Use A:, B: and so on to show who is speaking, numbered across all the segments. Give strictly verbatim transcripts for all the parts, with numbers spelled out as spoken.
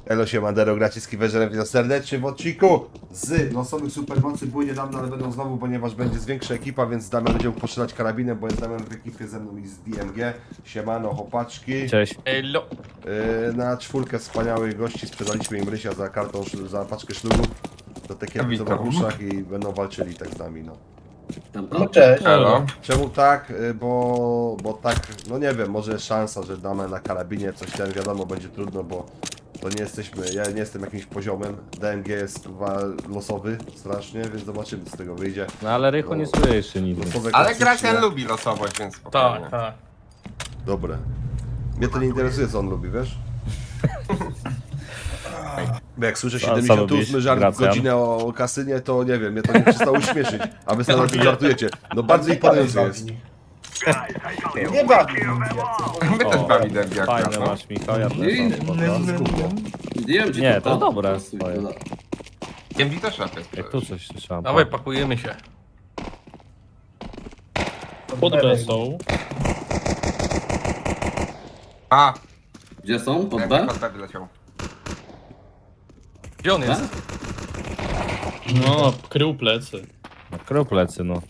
A: Elo się Mandero, gracie z Kiwerem, witam serdecznie w odcinku z losowych supermocy. Były niedawno, ale będą znowu, ponieważ będzie z większa ekipa, więc Damian będzie mógł postrzelać karabinem, bo jest Damian w ekipie ze mną i z D M G. Siemano, chłopaczki.
B: Cześć.
C: Elo.
A: Yy, na czwórkę wspaniałych gości sprzedaliśmy im Rysia za kartą, szl- za paczkę ślubów. Do takiego co w uszach i będą walczyli tak z nami, no.
D: No cześć.
C: Elo.
A: Czemu tak? Yy, Bo, bo tak, no nie wiem, może jest szansa, że damy na karabinie coś ten, wiadomo, będzie trudno, bo to nie jesteśmy, ja nie jestem jakimś poziomem, D M G jest chyba losowy strasznie, więc zobaczymy co z tego wyjdzie.
B: No ale Rychu nie słyszy nic.
A: Losowe
E: Ale
A: klasyczne.
E: Gracjan lubi losowość, więc spokojnie.
C: Tak, tak.
A: Dobre. Mnie to nie interesuje co on lubi, wiesz? Bo jak słyszę
B: Co- co
A: siedemdziesiąt osiem
B: lubisz,
A: żart w
B: Gracjan?
A: godzinę o, o kasynie, to nie wiem, mnie to nie przestało śmieszyć. A wy sobie na tym żartujecie. No bardzo imponujące jest.
D: Nie bawi mnie więcej.
E: My też
B: O,
E: bawi derby
B: Fajne
E: akurat, no.
B: masz, Michał, ja też
D: Nie,
B: mam spoko.
D: Wiem, ci
B: Nie, to jest
D: pada.
B: dobre swoje.
E: D M G też lepiej.
B: Jak tu coś słyszałem.
C: Dawaj, pakujemy się.
F: Pod B są.
E: A,
D: Gdzie są? Pod
E: jak
D: B?
E: pod B wyleciał.
C: Gdzie on jest?
F: No, krył plecy.
B: No, krył plecy, no.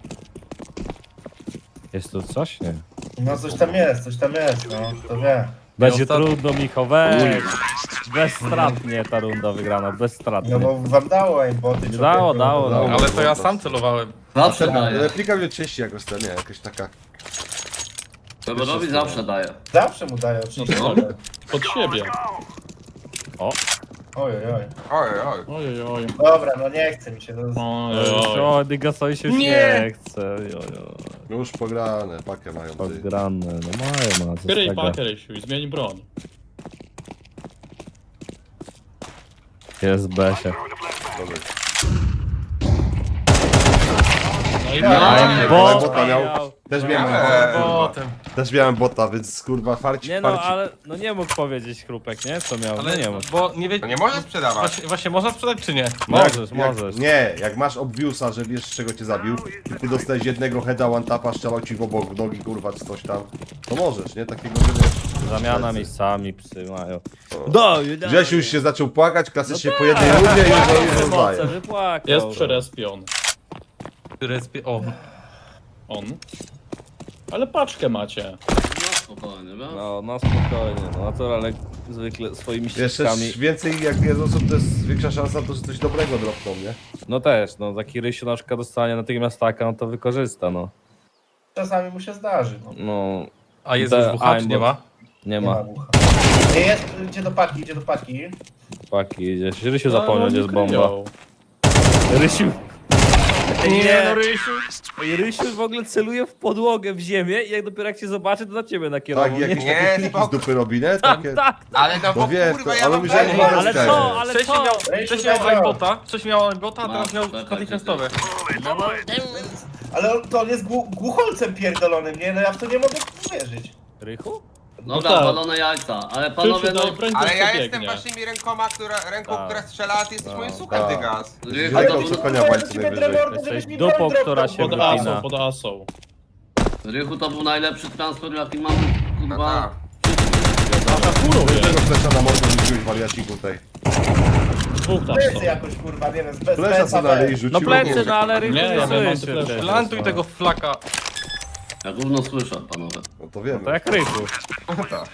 B: Jest tu coś? Nie.
G: No coś tam jest, coś tam jest, no, to wie.
B: Będzie
C: ostatni-
B: trudno, Michał, weź. Bezstratnie ta runda wygrana, bezstratnie.
G: No bo wam dało aimboty.
B: Nie dało, dało, dało.
C: Ale to ja sam celowałem.
D: Zawsze daje.
A: Replika mnie częściej jakoś ten, nie, jakaś taka.
D: Weborowi zawsze daje.
G: Zawsze mu daje oczywiście.
F: No tak. Pod siebie.
B: O,
G: Oj, oj, oj.
E: Oj, oj.
F: Ojej, oj.
G: Dobra, no nie chce mi się. To...
F: Ojej, oj.
B: o Dygasowi się już
C: Nie.
B: nie chce. Jo, jo.
A: No już pograne, pakę mają ty.
B: Podgrane, no mają, ma co z
F: Kryj
B: tego.
F: pakę, Rysiu, i zmień broń.
B: Jest Besie.
A: Dobra.
F: No i
D: No,
F: no,
B: Bo,
A: bota miał. Też miałem,
E: Eee,
C: Potem.
A: też miałem bota, więc kurwa farcik,
B: Nie no,
A: farcik.
B: ale no nie mógł powiedzieć Chrupek, nie? Co miał?
C: Ale
B: No nie mógł.
C: bo nie wie...
E: To nie można sprzedawać.
C: Właśnie, właśnie można sprzedać czy nie?
B: Możesz,
A: jak,
B: możesz.
A: Nie, jak masz obviousa, że wiesz z czego cię zabił, i ty dostałeś jednego heada, one tapa, strzelał ci w obok w nogi, kurwa, czy coś tam, to możesz, nie? Takiego, że wiesz.
B: Zamiana
A: plecy.
B: miejscami, psy mają. Do,
A: Grzesiu już się zaczął płakać, klasycznie
B: No
A: po
B: tak,
A: jednej rundzie i już
B: Moce
A: rozdaje.
B: wypłakał.
F: jest przerespiony.
C: Który jest... O,
F: On. Ale paczkę macie.
D: No spokojnie, wiesz?
B: No, no spokojnie, no naturalnie zwykle swoimi
A: Jeszcze
B: ścieżkami.
A: więcej jak jest osób, to jest większa szansa, to że coś dobrego dropną, nie?
B: No też, no taki Rysiu na przykład dostanie natychmiast taka, no to wykorzysta, no.
G: Czasami mu się zdarzy, no.
B: No,
C: a jest
B: The
C: już bucha, czy nie
B: aimbot.
C: ma?
B: nie
G: Nie
B: ma.
G: ma bucha. Nie jest, idzie do paki, idzie do paki.
B: Paki idziesz. Rysiu
F: No,
B: zapomniał, gdzie
F: oni
B: jest bomba.
F: kryją.
B: Rysiu!
C: Nie, no Rysiu.
B: Ej, Rysiu w ogóle celuje w podłogę, w ziemię i jak dopiero jak cię zobaczy, to na ciebie nakierował.
A: Tak,
B: nie?
A: jakieś
E: Nie,
A: takie kliki z
E: spoko.
A: dupy robi, nie?
B: Tak,
A: Takie...
B: tak,
E: Ale no
A: No
E: bo
A: wiem,
E: kurwa,
A: to-
E: ja
A: ale
E: mam
A: myślałem,
E: wrażenie,
A: że
E: że
B: ale
A: jest
B: co,
A: ten.
B: ale
C: Wcześniej
B: co?
C: miał,
G: Rysiu,
C: wcześniej miał
G: daj
C: aimbota, wcześniej miał aimbota, a teraz
D: Masz,
C: miał
D: czekaj,
C: natychmiastowe.
G: Ale on, to on jest głu, głucholcem pierdolonym, nie? No ja w to nie mogę uwierzyć.
B: Rychu?
D: Dobra,
F: tak.
D: balone jajca. Ale panowie,
F: Krzysiu,
D: no...
F: daj broń,
E: Ale
F: to
E: ja
F: biegnie.
E: jestem waszymi rękoma, która, ręką,
B: Tak.
E: która strzela, a ty jesteś
B: Tak.
E: moim suchem,
A: Tak.
E: dygas.
D: Rychu,
A: Ale
D: to
A: to
D: był-
A: konia w walce najwyżej.
B: Jesteś dupą, która się
F: Pod
B: wypina.
F: asą, pod asą.
D: Rychu to był najlepszy transfer, jaki mam,
E: No
D: kurwa...
E: tak.
F: Nasza furuje.
A: Tego flesza na mordę rzuciłeś, wariaciku tutaj.
F: Dwóch tam
G: Plecy
F: są.
G: jakoś kurwa, nie wiem, z bez
A: Flesza co na ryj rzucił.
B: No plecy, no ale Rychu
F: Nie,
B: nie,
F: ja wiem, mam
B: słyszy
F: te flesze.
B: przecież,
C: Plantuj
B: no.
C: tego flaka.
D: Ja gówno słyszę, panowie.
A: No to wiemy.
B: To jak Rychu.
E: No tak.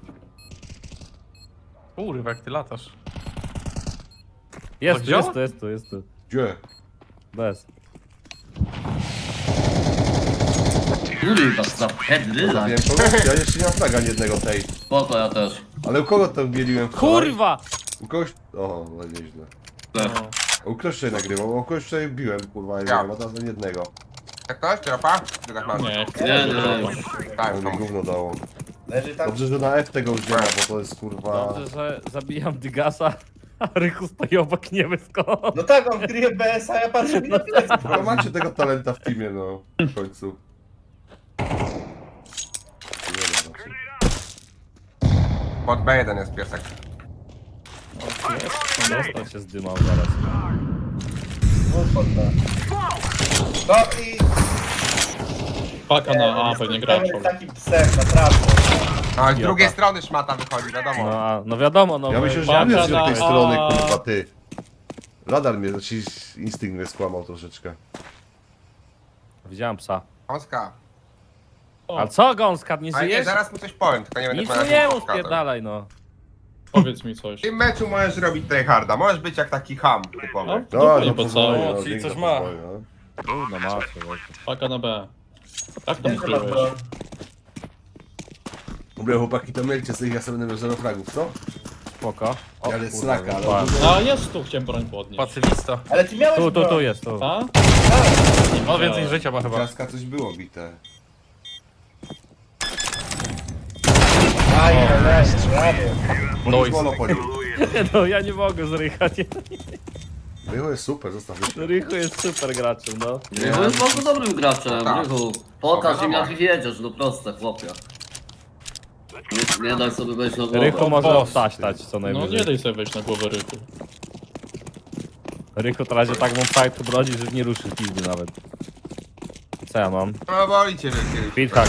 C: Kurwa, jak ty latasz.
B: Jest
C: To
B: tu,
C: działa?
B: jest tu, jest tu, jest tu.
A: Gdzie?
B: Bez.
D: Kurwa, za pedryla.
A: Wiem kogo? Ja jeszcze nie mam flaga ani jednego tej.
D: Spoko, ja też.
A: Ale u kogo to mieliłem wczoraj?
B: Kurwa!
A: U kogoś... O, no nieźle.
D: Też.
A: U kogoś wczoraj nagrywał, u kogoś wczoraj biłem, kurwa, ja.
E: Ja.
A: nie wiem, a teraz ani jednego.
E: Jak ktoś, tropa? Dygas masz.
F: Nie, chcę.
D: Nie, nie, nie.
E: Tak,
A: To
E: to
A: mi gówno dało.
G: Leży tam.
A: Dobrze, że na F tego już nie ma, bo to jest kurwa...
B: Dobrze, że zabijam Dygasa, a Rychu stoi obok niebiesko.
G: No tak, on kryje B S, a ja patrzę mi na plecy.
A: No macie tego talenta w teamie, no. W końcu. Nie no, raczej.
E: Pod B jeden jest piesek.
B: Dostał się zdymał zaraz.
G: Głupota. No i...
F: Paka na A, pewnie graczą.
G: Takim psem, naprawdę.
E: A z
F: Idiota.
E: drugiej strony szmata wychodzi, wiadomo.
F: No, a- no wiadomo, no.
A: Ja
F: bo-
A: myślę, że ja
F: Paka
A: wiem, z tej
F: na
A: strony,
F: A.
A: kurwa, ty. Radar mnie, znaczy instynkt mnie skłamał troszeczkę.
F: Widziałem psa.
E: Oska.
F: A co gąska, nie
E: Ale nie,
F: żyjesz?
E: zaraz mu coś powiem, tylko nie będę
F: Nic
E: powiedział,
F: mu nie
E: jak
F: mów,
E: pokazał.
F: spierdalaj no.
H: Powiedz mi coś.
E: W tym meczu możesz robić tryharda, możesz być jak taki ham
F: No,
E: typowy.
F: w dupę nie
A: no
F: pocałuj.
A: pozwolę,
C: czyli
A: dzięki
C: coś
A: za
C: ma.
A: pozwolę, no.
F: Trudno, macie.
H: Paka na B. Jak tam
G: Nie, że masz
H: ukryłeś?
G: broń.
A: Dobra, chłopaki, to mielcie sobie, ja sobie będę miał zero fragów, co?
F: Spoko. O,
A: Ale
F: kurwa,
A: slaka, ale...
F: wypałem.
H: A jest tu, chciałem broń podnieść.
C: Pacyfista.
G: Ale ty miałeś
F: Tu, tu,
G: broń.
F: tu jest, tu.
H: A?
C: No więcej życia ma chyba.
A: Klaska coś było bite.
G: Aj, ale, prawie.
A: No
C: Noise.
A: i monopolił.
F: No ja nie mogę z Rycha, nie.
A: Rycho jest super, zostaw jeszcze.
F: Rychu jest super graczem, no.
D: Rychu jest bardzo dobrym graczem,
E: Tak.
D: Rychu. Pokaż
E: No
D: im
E: wiadomo.
D: jak jedziesz, no proste, chłopie. Nie, nie daj sobie wejść na głowę.
F: Rychu może
C: boss.
F: obtaśtać co
H: No nie
F: najwyżej.
H: daj sobie wejść na głowę Rychu.
F: Rychu to razie tak mu fajtu brodzi, że nie ruszy pizdy nawet. Co ja mam?
E: No boli cię, że kiedyś.
F: Speedhack.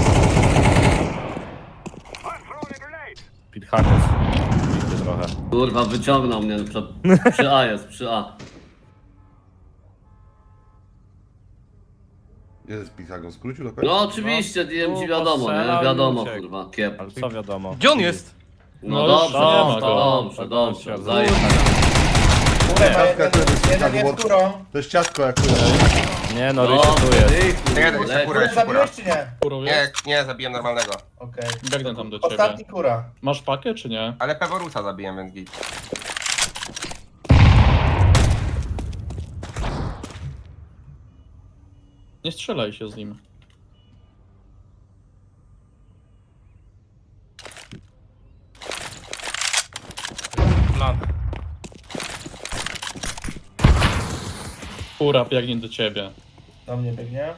F: Speedhack jest. Bity trochę.
D: Kurwa, wyciągnął mnie przed, przy A jest, przy A.
A: Jest Pitagon skrócił do końca?
D: No oczywiście, D M G
F: tu
D: wiadomo,
F: postrzelał
D: nie?
F: i
D: Wiadomo,
F: uciekł.
D: kurwa, kiep.
F: Ale co wiadomo?
C: Gdzie on jest?
D: No
H: No
D: dobrze,
H: już nie ma
D: dobrze,
H: go.
D: dobrze,
F: Dobrze,
D: dobrze,
F: dobrze.
D: zajechać.
G: Kurę ma
A: Ciastka,
G: jeden,
A: to jest
G: jeden
A: tak,
G: jest
A: bo-
G: kurą.
A: To jest ciastko jak
F: Nie no, Rychu tu jest.
D: Rychu,
E: Nie, to jest
D: leć.
E: kurę.
G: Kurę zabiłeś czy nie?
H: Kurą
E: Nie,
H: jest?
E: nie, zabiłem normalnego.
G: Okej.
H: Biegnę tam do ciebie.
G: Ostatni kura.
H: Masz pakę czy nie?
E: Ale Peworusa zabiłem, więc git.
H: Nie strzelaj się z nim.
C: Plan.
H: Kura biegnie do ciebie.
G: Do mnie biegnie.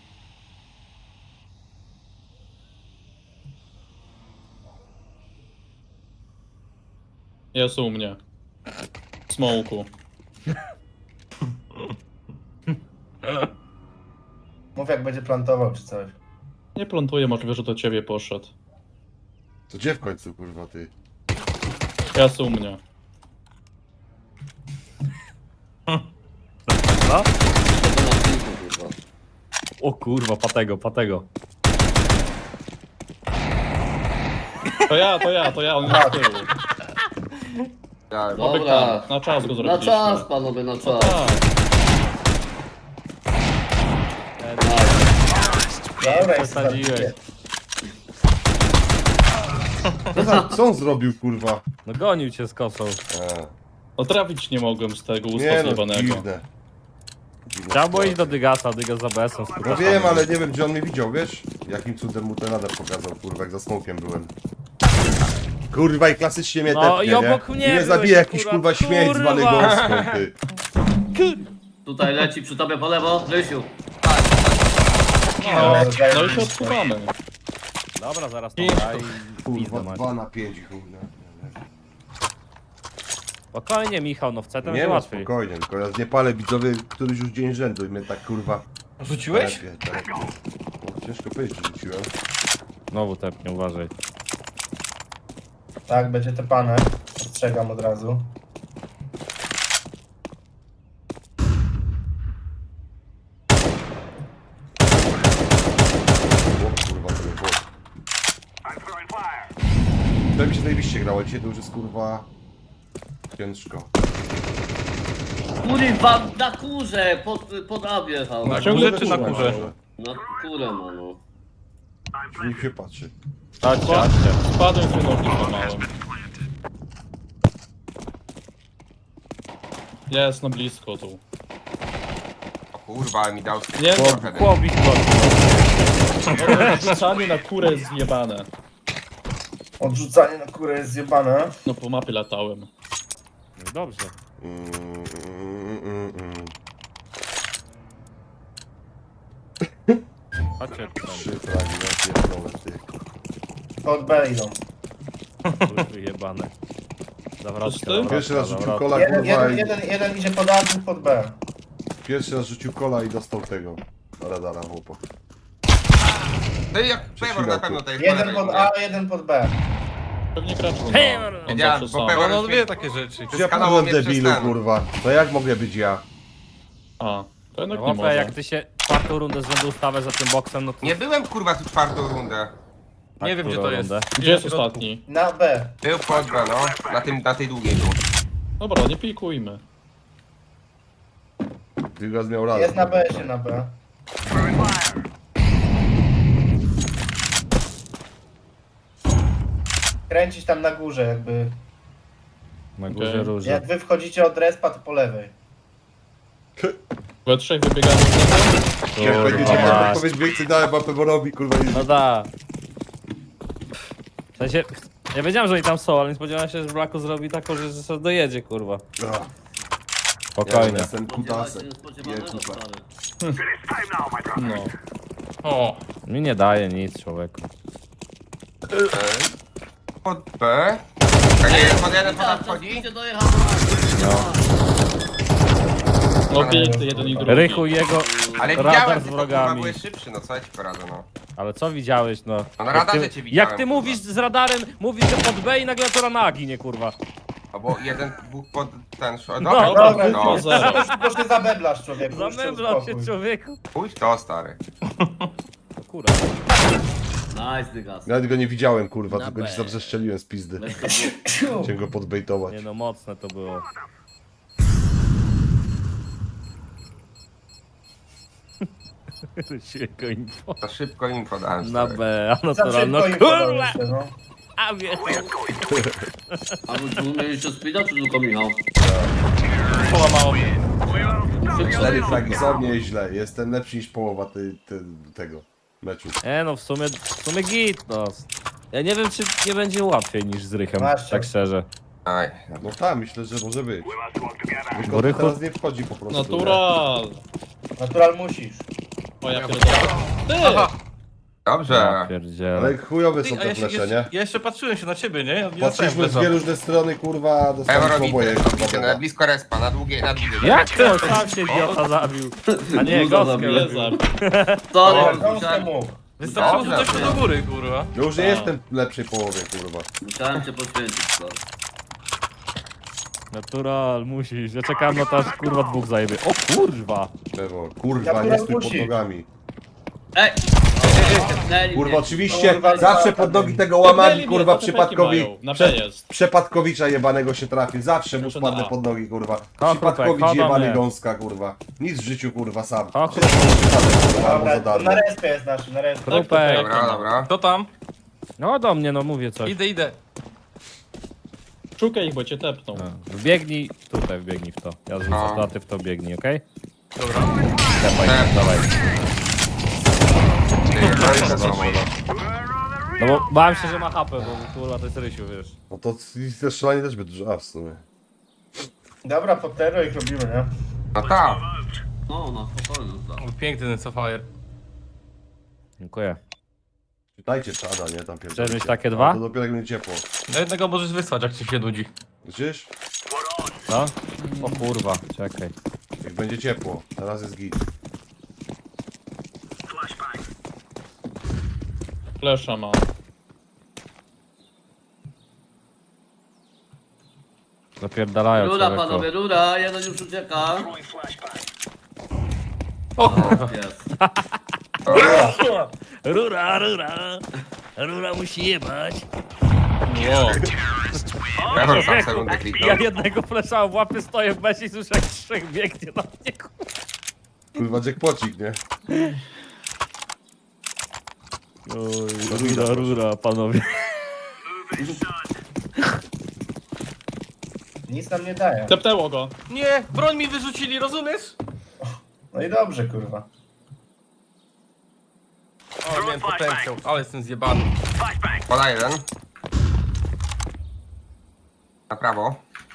H: Jest u mnie. W smoku.
G: Mów jak będzie plantował czy coś.
H: Nie plantuję, możliwe, że do ciebie poszedł.
A: To gdzie w końcu, kurwa, ty?
H: Jest u mnie.
F: No?
D: To na kilku, kurwa.
F: O kurwa, patego, patego.
H: To ja, to ja, to ja, on jest z tyłu.
E: Ja,
D: Dobra,
H: Na czas go
D: na
H: zrobiliśmy.
D: czas panowie, na czas.
H: Tak.
G: Dobra, jest
F: Przesadziłeś.
A: Co, za, co on zrobił, kurwa?
F: No gonił cię z kosą.
A: E,
H: No trafić nie mogłem z tego usta
A: nie no,
H: zjebanego.
A: dziwne. Dziwne
F: Trzeba było iść do
A: sytuacje.
F: Dygasa, Dygas za B S-em.
A: No wiem, ale nie wiem, gdzie on mnie widział, wiesz? Jakim cudem mu ten radar pokazał, kurwa, jak za smokiem byłem. Kurwa, i klasycznie mnie
F: No
A: tepnie,
F: i obok
A: nie?
F: mnie
A: I mnie
F: byłeś
A: zabije jakiś,
F: akurat,
A: kurwa, śmieć
F: kurwa.
A: zwany gąską, ty.
D: Tutaj leci przy tobie po lewo, Rysiu.
H: No, no i się odsuwamy.
F: Dobra, zaraz to da i
A: Kurwa,
F: pizdę macie.
A: dwa na pięć, kurwa.
F: Spokojnie Michał, no w C to
A: Nie
F: będzie
A: no,
F: łatwiej.
A: spokojnie, tylko ja nie palę widzowie któryś już dzień rzędu i mnie tak, kurwa...
C: Rzuciłeś?
A: telepie, telepie. No, ciężko powiedzieć, że rzuciłem.
F: Znowu tepnie, uważaj.
G: Tak, będzie te pane. Ostrzegam od razu.
A: O, kurwa, to nie było. To mi się najbliższe grało, dzisiaj to już jest, kurwa... Ciężko.
D: Kurwa, na kurze, pod, pod A wjechał.
C: Na
H: Ciągle
C: górze czy na
H: kurwa.
C: kurze?
D: Na kurę ma, no.
A: Nikt się patrzy.
F: Chodźcie, chodźcie.
H: Spadłem z nogi złamałem. Jest na blisko tu.
E: O kurwa, ale mi dał
H: Nie,
F: Chłop,
E: trochę.
F: chłop ich
H: no, rzucanie na kurę jest zjebane.
G: Odrzucanie na kurę jest zjebane.
H: No po mapie latałem.
F: No dobrze.
A: Mm, mm, mm, mm.
F: Chodźcie
A: Trzy
F: tutaj,
A: fragi, ja pierdolę, ty.
G: Pod B idą.
F: kurwy jebane. Zawrotka,
H: Wszyscy?
F: zawrotka,
A: Pierwszy raz rzucił
F: zawrotka.
A: kola,
G: Jeden,
A: kurwa,
G: jeden,
A: i...
G: jeden, jeden idzie pod A, drugi pod B.
A: Pierwszy raz rzucił kola i dostał tego. Radara, chłopak.
E: To jak Pewor na pewno to jest po
G: Jeden
E: lewej,
G: pod
E: nie?
G: A, jeden pod B.
H: Pewnie gracz no. On
E: Wiedziałem,
H: zawsze
E: bo
H: sam.
E: Pewor
C: No, no
E: już
C: wie
E: mnie
C: takie rzeczy.
A: Ja
E: skanował
A: byłem
E: mnie przez
A: debilu,
E: ten.
A: kurwa. To jak mogę być ja?
H: A, to jednak nie
B: Łapę,
H: może.
B: jak ty się czwartą rundę z rzędu ustawiasz za tym boksem, no to...
E: Nie byłem kurwa tu czwartą rundę.
C: Nie wiem gdzie
B: którą
C: to jest.
B: rundę?
H: Gdzie jest ostatni?
G: Na B.
E: Był pod B, no. Na, tym, na tej długiej był.
H: Dobra, nie pikujmy.
A: Dygas miał radę.
G: Jest na B, się na B. Kręcić tam na górze jakby.
B: Na górze
H: Okej.
B: róże.
G: Jak wy wchodzicie od respa, to po lewej.
H: We trzech wybiegamy z tego.
A: Jak
B: Kurwa
A: będziecie miał
B: mać.
A: odpowiedź więcej dałem Peworowi, kurwa. Nie...
B: No da. W sensie, ja wiedziałem, że oni tam są, ale nie spodziewałem się, że Blacku zrobi taką, że, że sobie dojedzie, kurwa.
A: Ach, ja
B: Spokojnie.
A: jestem
D: Spodziewać się
A: kutasem. Nie,
D: niespodziewanego,
A: kupa.
D: stary.
H: No.
C: O,
B: Mi nie daje nic, człowieku.
E: Pod B. A nie, pod jeden pod A wchodzi?
D: Idzie dojechał.
H: No piękny jeden i drugi.
B: Rychu i jego
E: Ale
B: radar
E: widziałem,
B: z
E: tylko kurwa
B: wrogami.
E: byłeś szybszy, no co ja ci poradzę, no.
B: Ale co widziałeś, no?
E: No na
B: Jak
E: radarze
B: ty,
E: cię widziałem,
B: Jak ty
E: kurwa.
B: mówisz z radarem, mówisz, że pod B i nagle to na ginie, kurwa.
E: Albo jeden, dwóch pod ten... Dobra,
B: No,
E: dobra,
G: dobra,
E: no.
H: no. Zero.
G: Bo się zabeblasz, człowieku. już się
B: Zamęblał się
G: uspokój.
B: człowieku.
E: Pójdź to, stary.
B: O kurwa.
D: Nice, dygas.
A: Nawet go nie widziałem, kurwa,
B: Na
A: tylko
B: B.
A: ci zabrzeszczeliłem z pizdy.
D: Weź to było.
A: Chciałem go podbejtować.
B: Nie no, mocne to było. Sieko info.
E: To szybko info dałem,
B: Na
E: stary.
B: B, a
G: Za
B: naturalno,
G: szybko im
B: kurwa!
G: podaliście, no.
B: A wie.
D: A wy tu mieliście speeda, czy tylko Michał?
C: połamało mnie.
A: Cztery fragi są nieźle. Jestem lepszy niż połowa tej, tej, tego meczu.
B: E no, w sumie, w sumie git, no. Ja nie wiem, czy nie będzie łatwiej niż z Rychem,
G: Właśnie.
B: tak szczerze.
E: Aj.
A: No tak, myślę, że może być.
B: Bo
A: Tylko
B: Rychu-
A: teraz nie wchodzi po prostu.
H: Natural.
G: Natural musisz.
H: O ja pierdolę. Ty!
E: Dobrze.
B: Ja
A: nie?
B: pierdzielę.
A: Ale chujowe są
C: Ty, a
A: te
C: ja, się,
A: flesze,
C: jeszcze,
A: nie?
C: ja jeszcze patrzyłem się na ciebie, nie? Ja
A: Patrzyliśmy w dwie różne strony, kurwa, dostaliśmy
E: Peworowi,
A: oboje.
E: na blisko respa, na długiej, na długiej.
B: Jak to? Sam się idiota zabił. A nie,
D: Dużo
B: goskę
D: zabiłem.
H: Nie
B: robił.
H: zabił.
D: Sorry,
G: Gąskę
D: musiałem,
G: mógł.
C: Wystarczyło, że
E: Dobrze.
C: coś do góry, kurwa.
A: Ja już nie jestem w lepszej połowie, kurwa.
D: musiałem cię poświęcić, sorry.
B: Natural, musisz. Ja czekałem na to, aż kurwa dwóch zajebie. O kurwa!
A: Pewor, kurwa,
G: Ja
A: nie stój pod
G: musi.
A: nogami.
D: Ej! Tepnęli
A: Kurwa,
D: mnie.
A: oczywiście,
G: Kurwa,
A: zawsze
G: za-
A: pod nogi tego łamagi,
H: Tepnęli mnie,
A: kurwa,
H: to tepeki
A: przypadkowi.
H: mają. Na
A: Prze,
H: B jest.
A: Przepadkowicza jebanego się trafi. Zawsze mu
H: Znaczy na
A: spadnę
H: A.
A: pod nogi, kurwa.
B: Krupek,
A: Przypadkowicz
B: chodź do
A: jebany
B: mnie.
A: gąska, kurwa. Nic w życiu, kurwa, sam.
B: O,
A: Wszystko przypadek, kurwa, albo za
G: Dobra,
A: darmo.
G: na respie jest nasz, na respie.
B: Krupek.
E: Dobra, dobra.
C: Kto tam?
B: No do mnie, no mówię coś.
C: Idę, idę.
H: Szukaj ich, bo cię tepną.
B: A, Wbiegnij, tutaj wbiegnij w to. Ja
E: A.
B: zrzucę to, a ty w to biegnij, okej?
C: Dobra.
B: Dawaj,
E: Tak.
B: dawaj.
E: Ty, no i to samo.
B: No bo bałem się, że ma hapę, bo kurwa to jest Rysiu, wiesz.
A: No to i te strzelanie też by dużo, a w sumie.
G: Dobra, po tero ich robimy, nie?
E: No tak.
D: No, no, spokojnie, tak.
C: Piękny ten Sapphire.
B: Dziękuję.
A: Czytajcie czada, nie? Tam pierdolcie.
B: Chcesz mieć takie
A: A
B: dwa?
A: To dopiero jak będzie ciepło.
C: Na jednego możesz wysłać, jak ci się nudzi.
A: Widzisz?
B: Co? O kurwa, czekaj.
A: Jak będzie ciepło. Teraz jest git.
H: Flesza ma.
B: Zapierdalają
D: Rura,
B: człowieku.
D: panowie, rura, jeden już ucieka.
C: O kurwa.
D: Jest.
B: Rura, rura. Rura musi jebać.
H: Wow.
E: Pewor sam sekundę kliknął.
B: Ja jednego flesza w łapie stoję w mesie i słyszę jak trzech biegnie na mnie. kurwa.
A: Kurwa, jackpocik, nie?
B: Oj, rura, rura, panowie.
G: Nic nam nie daje.
H: Tepnęło go.
C: Nie, broń mi wyrzucili, rozumiesz?
G: No i dobrze, kurwa.
C: O, miałem potencjał, ale jestem zjebany.
E: Poda jeden. Na prawo.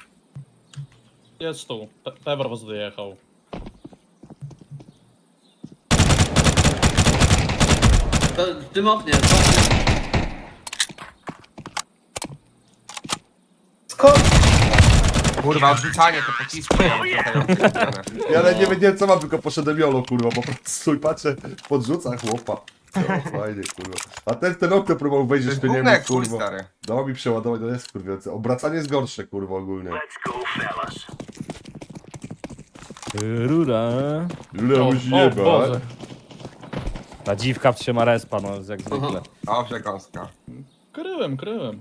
H: Jest tu. Pe- Pewor was dojechał.
D: To w tym oknie, właśnie.
G: Skąd?
E: Kurwa, odrzucanie te pocisku. Ja mam trochę odrzucone.
A: Ja ale nie wiedziałem co mam, tylko poszedłem jolo, kurwa, po prostu stój, patrzę, podrzuca chłopa. No, fajnie, kurwa. A ten, ten okno próbował
E: To
A: wejść,
E: jest
A: to nie
E: gówno
A: wiem,
E: jak chuj,
A: kurwa.
E: stary.
A: Dało mi przeładować, to jest kurwa. Obracanie jest gorsze, kurwa, ogólnie.
F: Rura.
A: Ile
C: O,
A: musi
C: o
A: jebać.
C: Boże.
F: Ta dziwka trzyma respa, no jak zwykle.
E: O, przekąska.
H: Kryłem, kryłem.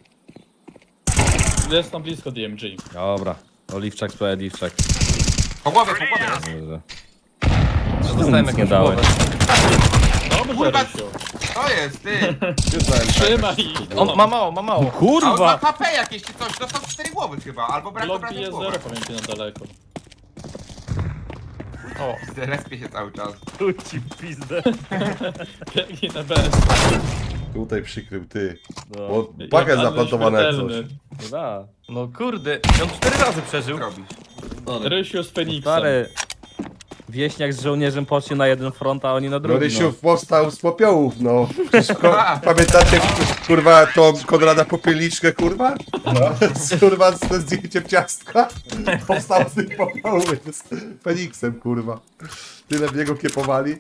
H: Jest tam blisko D M G.
F: Dobra. Oliwczak, sprawiedliwczak.
E: Po głowie, po głowie jest.
F: Dobrze.
C: Dostałem
F: Nic nie
C: jakąś
F: dałeś.
C: głowę.
H: Dobrze,
E: Kurwa,
H: Rysiu.
E: To jest, ty.
H: Trzymaj ich.
C: On ma mało, ma mało.
E: A on ma
F: Kurwa!
E: H P jakieś czy coś, dostał cztery głowy chyba, albo brak
H: Blok
E: obrażeń
H: bije
E: głowy.
H: zero, pamięci na daleko.
C: O,
E: Respie się cały czas.
F: Ci pizdę.
H: Biegnie na B.
A: Tutaj przykrył, ty.
F: No,
A: Bo pakę
H: Jak
A: zaplantowane jak
H: śmiertelny.
A: coś.
F: no da.
C: no kurde. On cztery razy przeżył.
E: Co robisz?
D: Sorry.
H: Rysiu z Feniksem.
F: Stary. Wieśniak z żołnierzem poszli na jeden front, a oni na
A: No
F: drugi.
A: Rysiu powstał z popiołów, no. Przecież ko- pamiętacie, kurwa, tą Konrada Popielniczkę, kurwa?
G: No.
A: Z, kurwa, z z zdjęciem ciastka. Powstał z tych popiołów z Feniksem, kurwa. Tyle w niego kiepowali.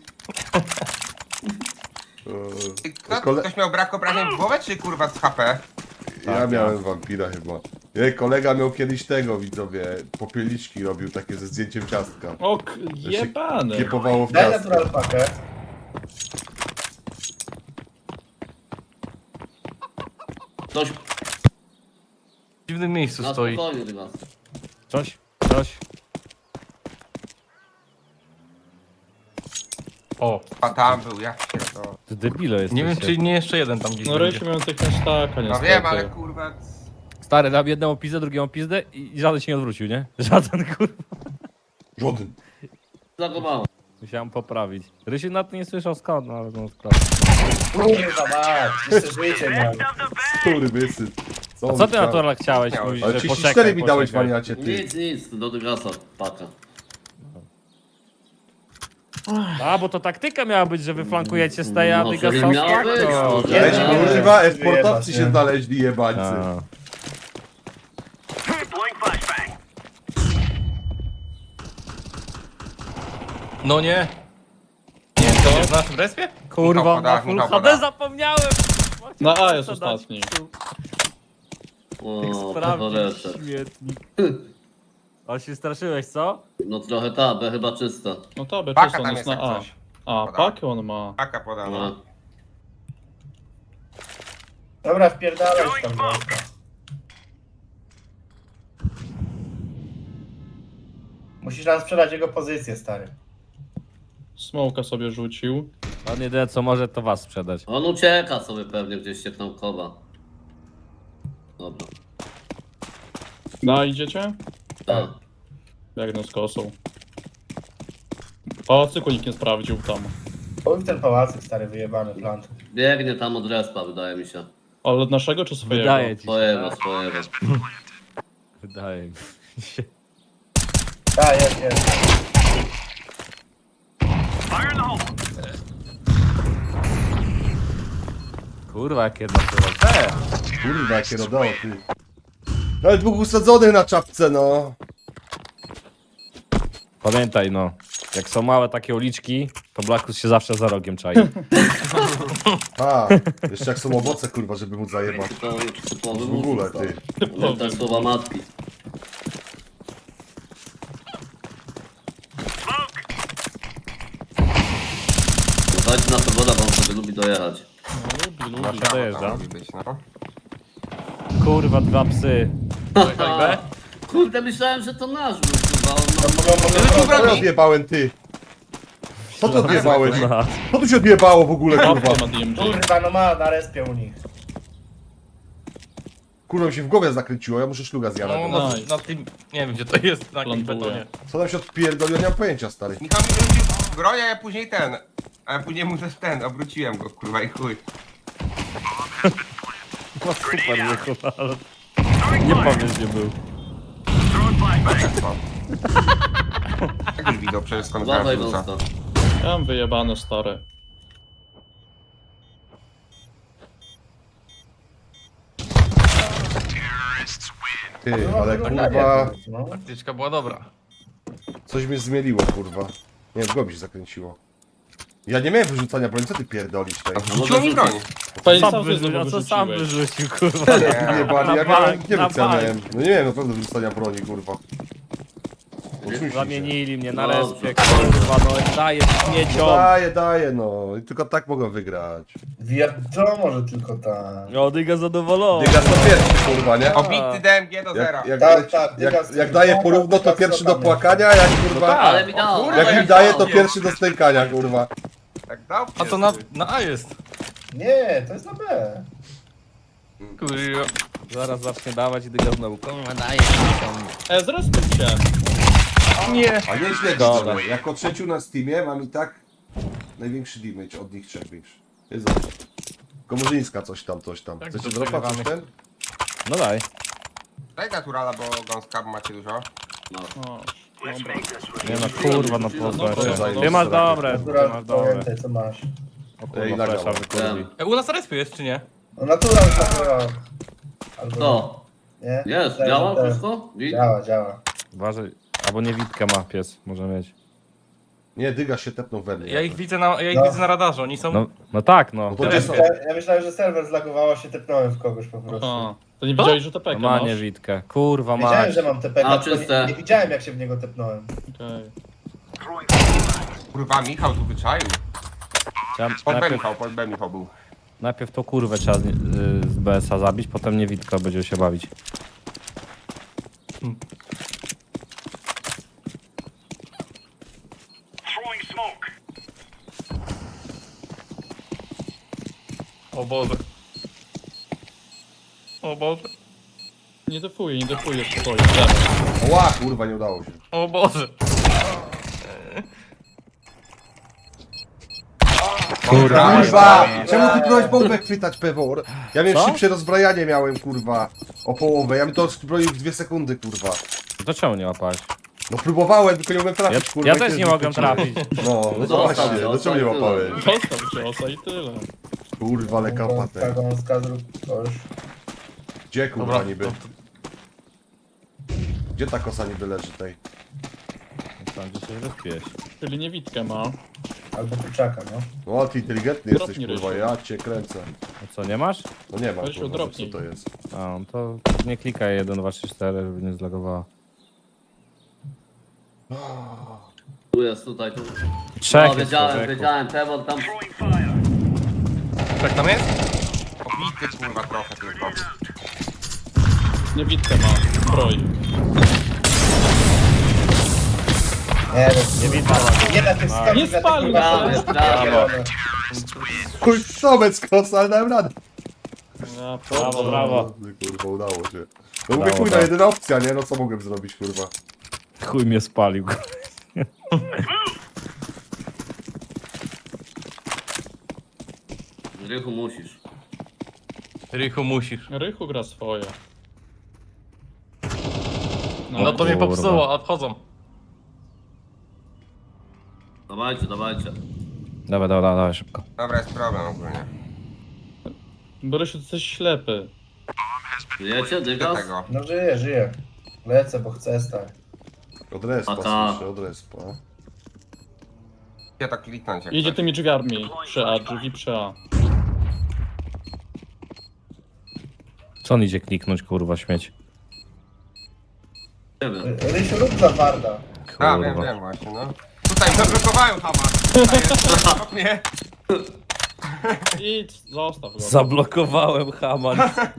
E: Ty,
A: Eee,
E: Kto,
A: Kole-
E: ktoś miał brak obrażeń w głowę, czy kurwa z H P?
A: Ja miałem wampira chyba. Jej, kolega miał kiedyś tego, widzowie, popielniczki robił takie ze zdjęciem ciastka.
H: O, k- jebany.
A: Kiepowało w
G: Daj
A: ciastko.
G: natural pakę.
D: Ktoś
C: W dziwnym miejscu
D: na
C: stoi.
D: spokojnie, Rymas.
F: Coś, coś.
C: O,
E: A tam był, ja pierdolę.
F: Ty debilo jest.
C: nie wiem czy nie jeszcze jeden tam gdzieś
H: No
C: będzie.
H: Rysiu miał tych na sztaka,
E: No
H: niestety.
E: wiem, ale kurwa...
F: Stary, dam jednemu pizdę, drugiemu pizdę i żaden się nie odwrócił, nie? Żaden, kurwa.
A: Żaden.
D: Za go mało.
F: Musiałem poprawić. Rysiu na to nie słyszał skąd, no ale no skąd.
G: Kurwa mać, jeszcze życie miałem.
A: Który wysy.
F: A
A: on
F: co ty
A: chciał?
F: naturalnie chciałeś?
E: Miałeś.
F: Mówisz,
A: Ale
F: że
A: trzydzieści
F: poczekaj,
A: cztery mi dałeś,
F: poczekaj.
A: waniacie, ty.
D: Nic, nic, do Dygasa paka.
F: A, bo to taktyka miała być, że wy flankujecie z tej, a
D: No,
F: Dyga
D: to
F: są
D: miała być,
F: to.
D: no,
A: Weź,
D: Nie,
A: kurwa,
G: wyjebać,
A: esportowcy
G: nie.
A: się znaleźli, jebańcy.
F: A.
C: No nie. Nie, to jest na naszym respie?
F: Kurwa,
E: Michał
F: na
E: poda,
F: full
E: Michał
F: H D
E: poda.
F: zapomniałem!
H: Na A jest
F: Co dać?
H: ostatni.
D: O,
F: Sprawdzić
D: pechorecze.
F: śmietnik. O, się straszyłeś, co?
D: No trochę ta, B chyba czysta.
H: No to by
E: Paka
H: czysto, on
E: tam
H: jest
E: jest
H: na
E: jak
H: A.
E: coś.
H: A,
E: Poda.
H: pakę on ma.
E: Paka podano.
D: No.
G: Dobra, wpierdalaj tam wąska. Musisz nam sprzedać jego pozycję, stary.
H: Smoka sobie rzucił.
F: On jedyne co może to was sprzedać.
D: On ucieka sobie pewnie gdzieś się koba. Dobra.
H: No, idziecie?
D: Tak.
H: Biegnę z kosą. Pałacyku nikt nie sprawdził tam.
G: Oj, ten pałacyk, stary, wyjebany plant.
D: Biegnie tam od respa, wydaje mi się.
H: Ale od naszego czy swojego?
F: Wydaje ci się.
D: Swojego,
F: tak?
D: swojego.
F: Wydaje mi się.
G: Tak, jest, jest.
F: Kurwa, jak jedno to te.
A: Kurwa, jakie rodało, ty. Ale dwóch usadzonych na czapce, no.
F: Pamiętaj no, jak są małe takie uliczki, to Blackus się zawsze za rogiem czai.
A: A, jeszcze jak są owoce, kurwa, żeby móc zajebać.
D: To typowy
A: W ogóle, ty.
D: Pamiętaj słowa matki. Dajcie na pogoda, bo on sobie lubi dojechać.
H: No, lubi, lubi.
F: Zawsze dojeżdża.
E: Musi być, no.
F: Kurwa, dwa psy.
C: Czekaj, B.
D: Kurde, myślałem, że to nasz był, kurwa. On ma...
G: Mogą, mogą,
A: Co
G: mogą,
A: ja odjebałem, ty? Co ty odjebałeś?
F: No.
A: Co tu się odjebało w ogóle, kurwa?
H: Papkę ma D M G.
G: kurwa, no ma na respie u nich.
A: Kurwa mi się w głowie zakręciło, ja muszę szluga
C: No,
A: zjadać.
C: na,
H: Nice.
C: na tym, nie wiem gdzie to jest, na jakim
H: Plantuję.
C: betonie.
A: Co tam się odpierdoliło, nie mam pojęcia, stary.
E: Michał mi wrócił broń, a ja później ten. A ja później mu też ten, obróciłem go, kurwa i chuj.
F: No super, nie kurwa, ale... Nie powiem, gdzie był.
E: Jak już widział przecież skąd
D: Dawaj
E: wraca.
D: wąska.
H: Ja mam wyjebane stare.
A: Ty,
G: No,
A: ale
G: wygląda
A: kurwa,
G: nie, no.
C: Taktyczka była dobra.
A: coś mnie zmieliło, kurwa. Nie, w głowie się zakręciło. Ja nie miałem wyrzucania broni, co ty pierdolisz tutaj?
E: Rzuciło mi broń.
H: Panie
F: Sam
H: sam
F: wyrzucił,
H: znowu
F: a co sam
H: wyrzuciłeś.
F: wyrzucił, kurwa.
E: Nie.
A: Nie, bani, ja
F: Na
A: miałem,
F: bank,
A: nie
F: na
A: wiem co ja
F: bank.
A: miałem. No nie miałem na pewno wyrzucania broni, kurwa. Oczywiście.
F: Zamienili mnie na
D: Dobrze.
F: respie, kurwa, no daję śmieciom.
A: Daję, daję, no. I tylko tak mogą wygrać.
G: Wiadomo, może tylko tak.
F: O, Dyga zadowolony.
A: Dygas to pierwszy, kurwa, nie?
E: Obity D M G do zera.
A: Jak, jak,
G: Tak,
A: jak,
G: tak,
A: jak,
G: Dygas-
A: jak daje porówno, to
G: Dygas
A: pierwszy do
G: tam jest.
A: płakania, jak kurwa...
D: Ale mi dał.
A: Jak mi daje, to pierwszy do stękania, kurwa.
E: Tak dał?
C: A to na, na A jest.
G: Nie, to jest na B.
C: Kurwa.
F: Zaraz zacznie dawać i Dyga znowu, kurwa, daję śmieciom.
H: E, zrespił cię.
C: Nie.
A: A nieźle,
F: Dobra.
A: widzowie. Jako trzeciu na Steamie mam i tak największy damage od nich trzech większy. Jest dobrze. Komorzyńska coś tam, coś tam.
C: Tak,
A: Chcecie
C: to
A: dropać coś
C: przegrywamy.
A: ten?
F: No daj.
E: Daj naturala, bo gąska macie dużo.
H: O, dobra.
F: Nie no, kurwa, no
H: Dobra,
F: pozwól.
H: dobra.
F: Ty masz dobre, ty
G: Natura,
F: masz dobre.
G: pamiętaj co masz.
F: O
A: Ej,
F: kurwa,
A: nagrał.
F: flesza wykurwi.
C: E, U nas respie jest, czy nie?
G: No natura już natura. Albo
D: To.
G: nie?
D: Jest,
G: Ten,
D: działa
G: ten.
D: wszystko? Wi-
G: Działa, działa.
F: Uważaj, albo niewidkę ma pies, może mieć.
A: Nie, Dygas się tepnął we mnie.
C: Ja ich widzę na, ja ich
G: No.
C: widzę na radarze, oni są...
F: No, no tak, no.
A: No to
G: Ja
A: gdzie są?
G: myślałem, ja myślałem, że serwer zlagowało się, tepnąłem w kogoś po prostu.
H: Aha. To nie widziałeś, że T P
F: No
H: K
F: ma
H: masz?
F: niewidkę. Kurwa, ma.
G: Wiedziałem, że mam T P K,
D: A,
G: tylko
D: czyste.
G: nie, nie widziałem jak się w niego tepnąłem.
H: Okej.
E: Kurwa, Michał tu wyczaił.
F: Ja
E: Pod B
F: najpierw,
E: Michał, pod B Michał był.
F: najpierw tą kurwę trzeba z, z B S a zabić, potem niewidka będzie się bawić.
C: O Boże. O Boże.
H: Nie defuję, nie defuję, spokojnie. Dobra.
A: Ła, kurwa, nie udało się.
C: O Boże.
F: Kurwa,
A: Kurwa! Czemu ty próbowałeś bombę chwytać, Pewor? Ja miałem
F: Co?
A: szybsze rozbrajanie miałem, kurwa. O połowę. Ja bym to zbroił w dwie sekundy, kurwa.
F: To czemu nie łapałeś?
A: No próbowałem, tylko nie mogłem
F: Ja,
A: trafić, kurwa.
F: ja
A: i
F: też
A: ty
F: nie mogłem
A: wyskoczyłeś.
F: trafić.
A: No, no to
D: Zostaw
A: właśnie,
D: się,
A: no czemu nie
D: zostaw
A: łapałem?
H: Zostaw ciosa i tyle.
A: Kurwa, ale
G: Gąska,
A: kapatę.
G: gąska, zrób coś.
A: Gdzie kurwa
C: Dobra,
A: niby?
C: to- to-
A: Gdzie ta kosa niby leży tej?
F: Tam gdzie się rozpiłeś.
H: Czyli niewidkę ma.
G: Albo kurczaka, no.
A: No, ty inteligentny
H: Dropnij,
A: jesteś, kurwa,
H: Rysiu.
A: ja cię kręcę.
F: A co, nie masz?
A: No nie mam,
H: Rysiu,
A: kurwa, co
H: dropnij.
A: to jest?
F: A, no to nie klikaj jeden, dwa, trzy, cztery, żeby nie zlagowała.
D: Tu jest, tutaj, tu.
F: Trzech
D: No,
F: jest,
D: wiedziałem,
F: człowieku.
D: wiedziałem, Pewor tam...
C: Tak tam jest?
E: Obity kurwa trochę tylko.
H: Niewidkę ma. Zbroi.
G: Nie,
F: Nie widzę.
G: nie na tych skałach.
H: Nie spalił,
D: brawo, brawo.
A: Chuj, sobec kosa, ale dałem radę.
H: Ja,
F: Brawo, brawo.
A: Kurwa, udało się. No mówię,
F: Brawo,
A: chuj, na
F: brawo.
A: jedyna opcja, nie? No co mogłem zrobić, kurwa?
F: Chuj mnie spalił.
D: Rychu musisz.
C: Rychu musisz.
H: Rychu gra swoje.
C: No to mnie
F: kurwa.
C: popsuło, a wchodzą.
D: Dawajcie, dawajcie.
F: Dawaj, dawaj, dawaj, szybko.
E: Dobra, jest problem ogólnie.
H: Borysiu, ty jesteś ślepy.
D: Żyjecie,
E: Do
D: Dygas?
E: tego.
G: No żyję, żyję. Lecę, bo chcę stać.
A: Od respa,
D: A ta.
A: słyszę, od respa.
E: Gdzie to kliknąć jak
H: Idzie
E: coś?
H: tymi drzwiami. Przy A, drzwi przy A.
F: Co on idzie kliknąć, kurwa, śmieć?
D: Nie wiem.
G: Rysiu, rób za warda.
E: A, wiem,
F: Kurwa.
E: wiem właśnie, no. Tutaj zablokowałem Hama. Tutaj jest, obok mnie.
H: Idź, zostaw go.
B: Zablokowałem Haman.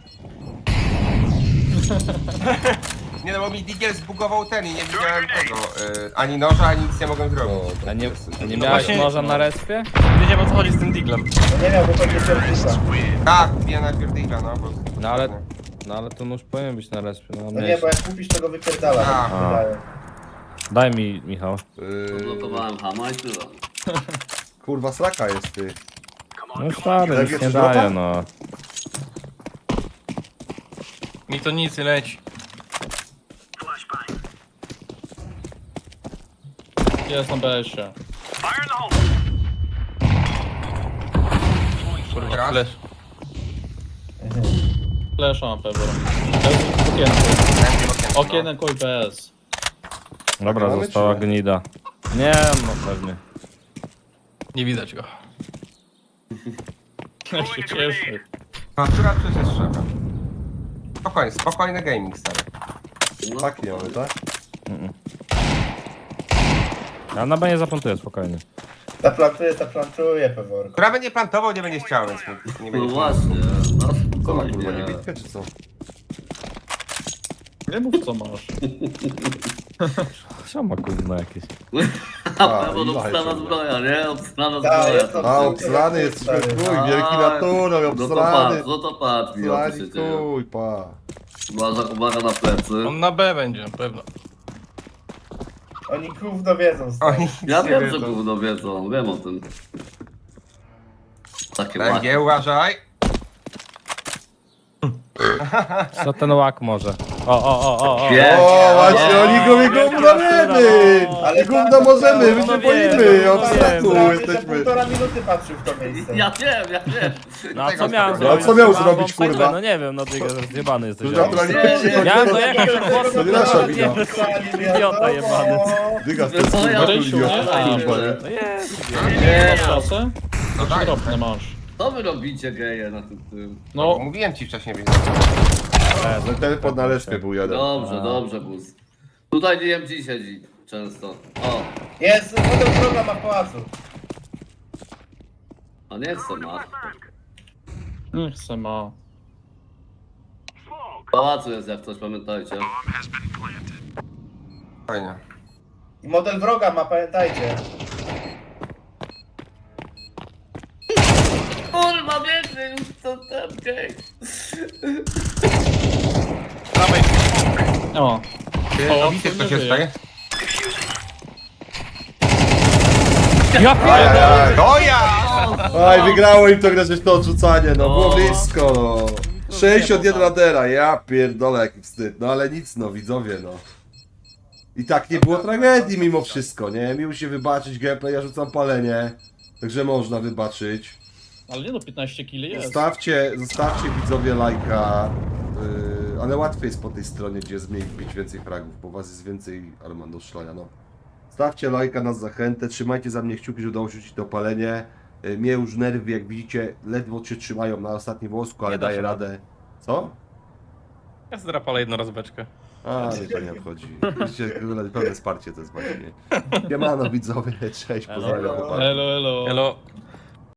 E: Nie no, bo mi Digiel zbugował ten i nie widziałem tego. Y, ani noża, ani nic nie mogłem zrobić.
F: A nie, a nie
C: No
F: miałeś
C: właśnie-
F: noża na respie?
C: Wiedziałem o co chodzi z tym diglem.
G: No nie miał, bo pewnie pierdyka.
E: Tak, kupiłem najpierw Digla, no bo...
F: No ale, no ale to nóż powinien być na respie. No,
G: No nie,
F: miałeś-
G: bo jak kupisz, to go wypierdala.
E: A.
G: tak mi się wydaje.
F: Daj mi, Michał.
A: Yy,
D: Blokowałem Hama i tyle.
A: kurwa, sraka jest, ty.
F: No stary,
A: Tak
F: nic
A: jest
F: nie
A: droga?
F: daje, no.
C: Mi to nic nie leci.
H: Jest na B S-ie.
C: Kurwa,
E: Raz.
C: flash.
H: Flesza na Pewor. Okienko. Okienko i B S.
F: Dobra,
A: mamy,
F: została
A: czy nie?
F: gnida. Nie, no pewnie.
C: Nie widać go.
H: Ja się cieszę.
E: Natura przecież jest szefem. Spokojnie, spokojny gaming, stary.
D: No,
A: Tak nie mamy, tak?
F: Ja na B nie zaplantuję, spokojnie.
G: Zaplantuję, zaplantuję, Peworko.
E: Która będzie plantował, nie będzie chciał, więc nie, nie
D: no
E: będzie.
D: właśnie, no
A: Co ma kurwa,
D: spokojnie.
A: niebitkę czy co?
H: Nie mów co masz.
F: Co ma kurwa jakieś?
D: A,
A: A,
D: bo
A: i
D: obstrana
A: lajcie.
D: zbroja, nie? Obstrana
G: Tak,
D: zbroja.
G: jest to-
A: A, obsrany jest
G: Stary.
A: chuj, wielki naturą,
D: No to
A: obsrany.
D: patrz, no to patrz, mi o co
A: Obsrani
D: się dzieje.
A: chuj, pa.
D: Uwaga, uwaga na plecy.
C: On na B będzie, na pewno.
G: Oni gówno wiedzą, stary.
E: Oni
D: Ja
E: nie
D: wiem, że
E: wiedzą.
D: gówno wiedzą, wiem o tym. Takie
E: B N G,
D: ładne.
E: uważaj.
F: Co ten łak może? O, o, o, o, o.
D: Wiem.
A: O, właśnie, oni go mi gówno wiemy! Ale gówno możemy, my się
F: Gówno
A: boimy,
F: wiemy,
A: obsratu
F: gówno
G: Prawie, że
A: jesteśmy.
G: półtora minuty patrzył w to miejsce.
D: Ja wiem, ja wiem.
F: No a co
E: Tego
F: miałem
E: spokojnie.
F: zrobić?
A: No, a co miał
F: Mam
A: zrobić,
F: bombsite
A: kurwa?
F: B, No nie wiem, no ty zjebany jesteś.
A: To naturalnie przychodzi,
F: Miałem
A: to-
F: dojechać do głosu,
A: To nie nasza wina.
F: Idiota jebany.
A: Dygas, to jest
D: No, ja
A: kurwa
H: Rysiu,
A: idiota,
H: nie?
A: kurwa, nie?
F: No jest.
D: Nie,
H: Masz kasę?
E: No tak,
H: Drobne masz.
D: co wy robicie geje na tym tym?
E: no.
H: No,
E: Mówiłem ci wcześniej, więc...
A: No ten pod naleczkę był jeden.
D: Dobrze, dobrze, bus. Tutaj D M G siedzi często. O,
G: Jest, model program ma w pałacu.
D: a nie chcę ma.
H: nie chcę ma.
D: W pałacu jest jak coś, pamiętajcie.
E: Fajnie.
G: I model wroga ma, pamiętajcie.
D: Kurwa, biegnie już co ten gej.
H: O,
E: Ty, widzicie, co się
H: żyje.
E: staje?
F: Ja pierdolę.
E: To ja!
A: Aj, wygrało im to grę, to odrzucanie, no było blisko, no. sześćdziesiąt jeden latera, ja pierdolę jaki wstyd, no ale nic no, widzowie no. I tak nie było tragedii mimo wszystko, nie? Miło się wybaczyć gameplay, ja rzucam palenie, także można wybaczyć.
H: ale nie no, piętnaście kili jest.
A: Zostawcie, zostawcie widzowie lajka, yy, ale łatwiej jest po tej stronie, gdzie jest mniej bić więcej fragów, bo was jest więcej Armando Szlaja, no. Stawcie lajka na zachętę, trzymajcie za mnie kciuki, żeby udało się rzucić to palenie. Yy, Mnie już nerwy, jak widzicie, ledwo się trzymają na ostatnim włosku, ale
C: Nie da
A: daję
C: się.
A: radę. Co?
C: Ja zdrapalę jednorazbeczkę.
A: A, nie, to nie obchodzi. Widzicie, pełne wsparcie to jest właśnie. Siemano widzowie, cześć, pozdrawiam. chłopaki.
H: Elo, elo.
C: Elo.